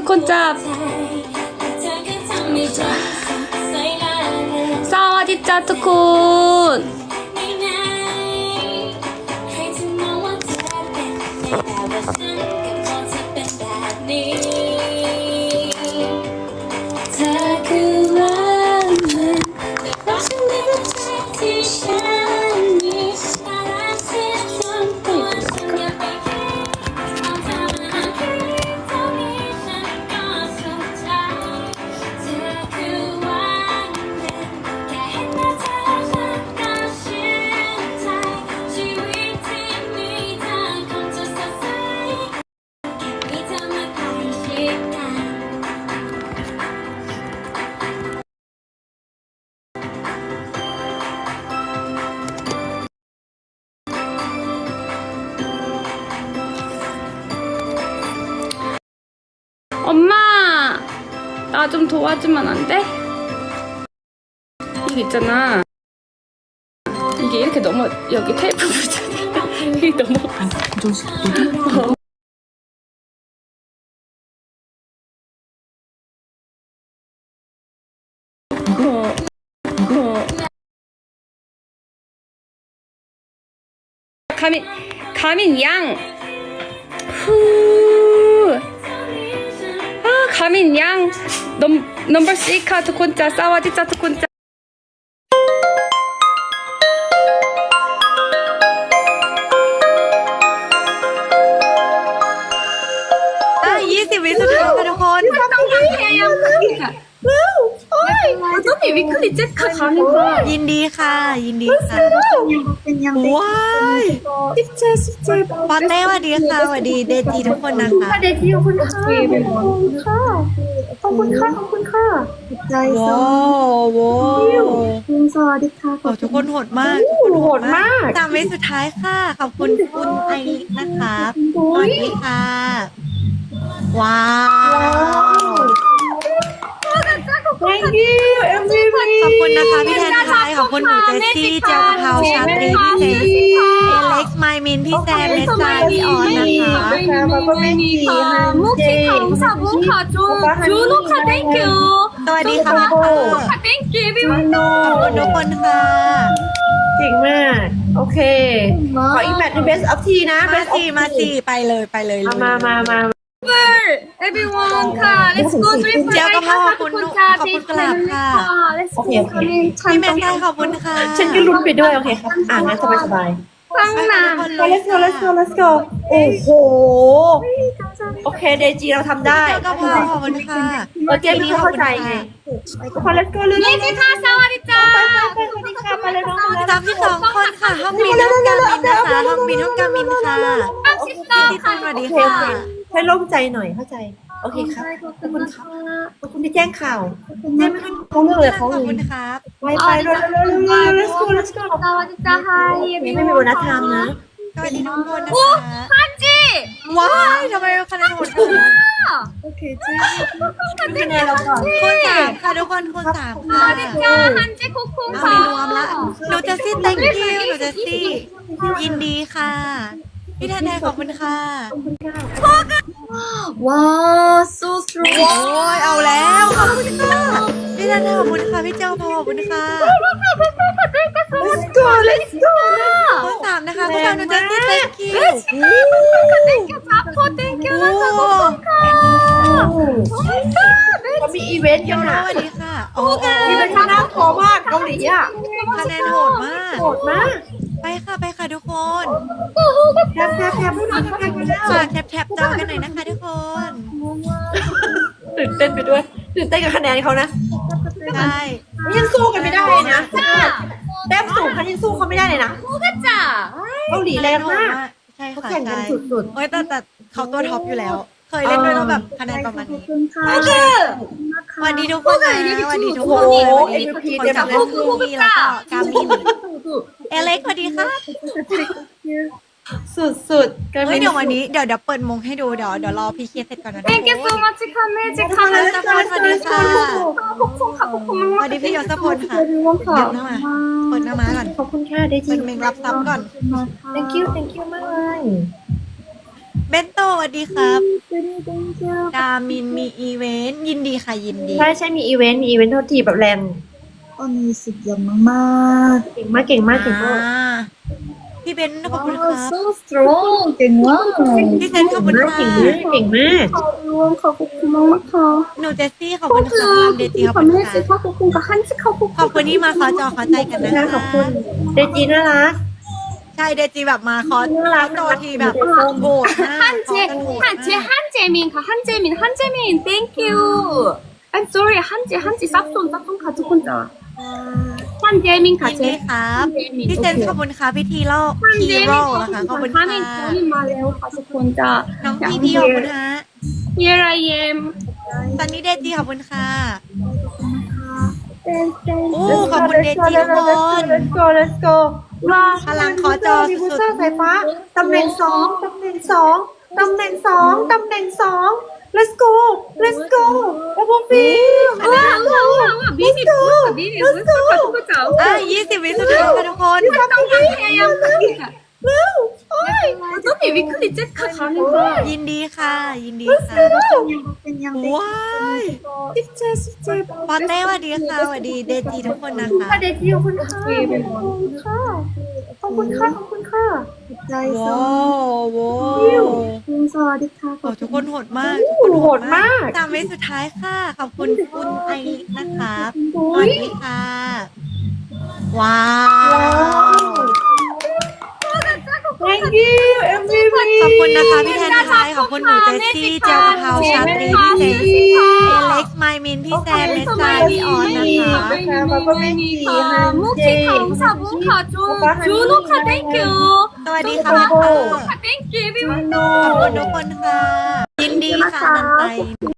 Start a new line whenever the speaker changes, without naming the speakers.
คนจับสวัสดีจ้าทุกคน엄마, 나 좀 도와주면 안 돼? 이게 있잖아. 이게 이렇게 넘어, 여기 테이프 붙잖아. 이게 넘어갔어. 이거. 가민 양. 후. 가민 양 넘버 4 ทุกคนจ้าสวัสดีจ้าทุกคนจ้า
20 วิสุดท้ายค่ะทุกคน
ต้องมีวิกฤตเจ็ดค่ะ가민
ยินดีค่ะยินดีค่ะว้ายปอเต้สวัสดีค่ะสวัสดีเดจีทุกคนนะคะ
เดจีขอบคุณค่ะขอบคุณค่ะขอบคุณค่ะ
ว้าว
สวัสดีค่ะ
ทุกคนโหดมากโหดมาก3 วิสุดท้ายค่ะขอบคุณคุณไอริกนะคะสวัสดีค่ะว้าว
Thank you MVP
ขอบคุณนะคะพี่แทนไทยขอบคุณหนูเจสซี่เจ้าเผาชาตรีพี่เจสเอเล็กซ์ไมมินพี่แซมเนสซาพี่ออนนะคะ
มุกที่ของสาวมุกค่ะจูนุค่ะ thank you
สวัสดีค่ะ
thank you everyone
ขอบคุณทุกคนค่ะ
เก่งมากโอเคขออีกแมตช์ใน best of ทีนะ
มาสี่ไปเลย
มาeveryone ค่ะ let's go
เจ้าก็พ่อขอบคุณกลับค่ะ
โอเค
พี่แมนไทยขอบคุณค่ะ
ฉันก็ลุ้นไปด้วยโอเคครับงั้นสบายฟังนะ let's go โอ้โหโอเคเดจีเราทำได้
เจ้าก็พ่อขอบคุณค่ะ
เจมี่เข้าใจไงทุกคน let's go เลยนี่จีค่ะสวัสดีจ้าสวัสดีค่ะไปเลยน้อง
32 คนค่ะห้องบินห้องกามินนะคะห้องบินห้องกามินค่ะพี่ต้นสวัสดีค่ะ
ให้โล่งใจหน่อยเข้าใจโอเคครับขอบคุณครับขอบคุณที่แจ้งข่าวแจ้งไม่ต้องเรื่องเลยเขา
ขอบคุณครับ
ไปเร็ว let's go สวัสดีจ้าไฮไม่มีโบนัสทำนะ
สวัสดีทุกคนนะคะ
ฮันจี
ว้ายทำไมคะแนนโหดจัง
โอเคจีคะแนนเราก่อน
คูณ 3ค่ะทุกคนคูณ 3ค่ะ
สวัสดีจ้าฮันจีคุกค่ะ
ไม่รวมละหนูจะซี่ thank you หนูจะซี่ยินดีค่ะพี่แทนไทยขอบคุณค่ะ
ว้าว so strong
โอ้ยเอาแล้วขอบคุณค่ะพี่แทนไทยขอบคุณค่ะพี่เจ้าพอขอบคุณค่ะ
let's go
คูณ 3นะคะคูณ 3หนูจะซี่ thank you
thank you ครับ thank you นะขอบคุณค่ะเขามีอีเวนต์กันนะ
สวัสดีค่ะ
อีเวนต์น่ากลัวมากเกาหลีอ่ะ
คะแนนโหดมากไปค่ะทุกคน
แคป
ฝากแท็บจอกันหน่อยนะคะทุกคน
ตื่นเต้นไปด้วยตื่นเต้นกับคะแนนเขานะ
ใช่
ยังสู้กันไม่ได้เลยนะแต้มสูงเขายังสู้เขาไม่ได้เลยนะเกาหลีแรงมาก
ใช่ค่ะ
แข่งกันสุด
ๆโอ้ยแต่เขาตัวท็อปอยู่แล้วเคยเล่นด้วยแล้วแบบคะแนนประมาณนี้สวัสดีทุกคนนะสวัสดีทุกคนสวัสดีทุกคนจากพวกพี่แล้วก็กามินเอเล็กสวัสดีค่ะ
สุด
เฮ้ยเดี๋ยววันนี้เดี๋ยวเปิดมงให้ดูเดี๋ยวรอพี่เคสเสร็จก่อนนะ
Thank you so much ค่ะแม่จิค่ะ
สวัสดีค่ะสวัสดีพี่ยศพลค่ะเดี๋ยวหน้ามาเปิดหน้ามาก่อน
ขอบคุณค่ะได้จริ
งเป็นเมงรับซับก่อน
Thank you มากเลย
เบนโตสวัสดีครับกามินมีอีเวนต์ยินดีค่ะยินดี
ใช่มีอีเวนต์โทษทีแบบแรง
언니 진짜 막
เก่งมากเก่งมากเก่งมาก
พี่เบนขอบคุณค่ะ
so strong 갱와
พี่เซนขอบคุณ
มาก
ค่ะ
เก่งมาก
응원 가고 고마워
หนูเจสซี่ขอบคุณค่ะเดจีขอบคุณค่ะ
하고 뭔가 한식 하고
ขอบคุณที่มาขอจอขอใจกันนะ
ขอบ
คะ
คุณเดจีน่ารัก
ใช่เดจีแบบมาขอ
น่ารัก
โตทีแบบโหดมาก
한재민, thank you. I'm sorry, 한재, 쌉손 가족 혼자. 한재민
ยิน
가재.
ดีครับพี่เซนขอบคุณค่ะพี่ทีโร่ทีโร่นะคะขอบคุณค่ะ
한인 본인 말해요, 가족 혼자.
น้องพี่พี่ขอบคุณฮะ
Here I am.
ตอนนี้เดจีขอบคุณค่ะ โอ้
Let's
ขอบ
go,
คุณเด
let's go,
จีทุกคน
let's go let's go ว้า
พลังขอจอ
ดิฟู
สุ
เซอ
ด
ร์สายฟ้าตำแหน่งสองตำแหน่งสอง let's go let's go โอ้โหฟี
와, 미니 무슨 가족 혼자.
อ่ะ20 วิสุดท้ายค่ะทุกคน
한재야,
เร็วโอ้ย
어차피 위클리 잭카 가는 거야.
ยินดีค่ะ ยินดีค่ะ ว้าย
17
ปอเต้สวัสดีค่ะสวัสดีเดจีทุกคนนะคะ
ค่ะเดจีขอบคุณค่ะขอบคุณค่ะ
ว้าวว้าว
응서리카
โอ้ทุกคนโหดมาก
โอ้โหโหดมาก
3 วิสุดท้ายค่ะ ขอบคุณคุณไอริกนะคะสวัสดีค่ะ ว้าว
thank you MVP
ขอบคุณนะคะพี่แทนไทยขอบคุณหนูเจสซี่เจลกะเพราชาตรีพี่เซนเล็กซ์ไมมินพี่แซมเมสซาพี่ออนนะคะ
무키 감사 무카조 준호카 땡큐
สวัสดีค่ะพี่ค่ะ
땡큐 everyone
ขอบคุณทุกคนค่ะ ยินดีค่ะนันไต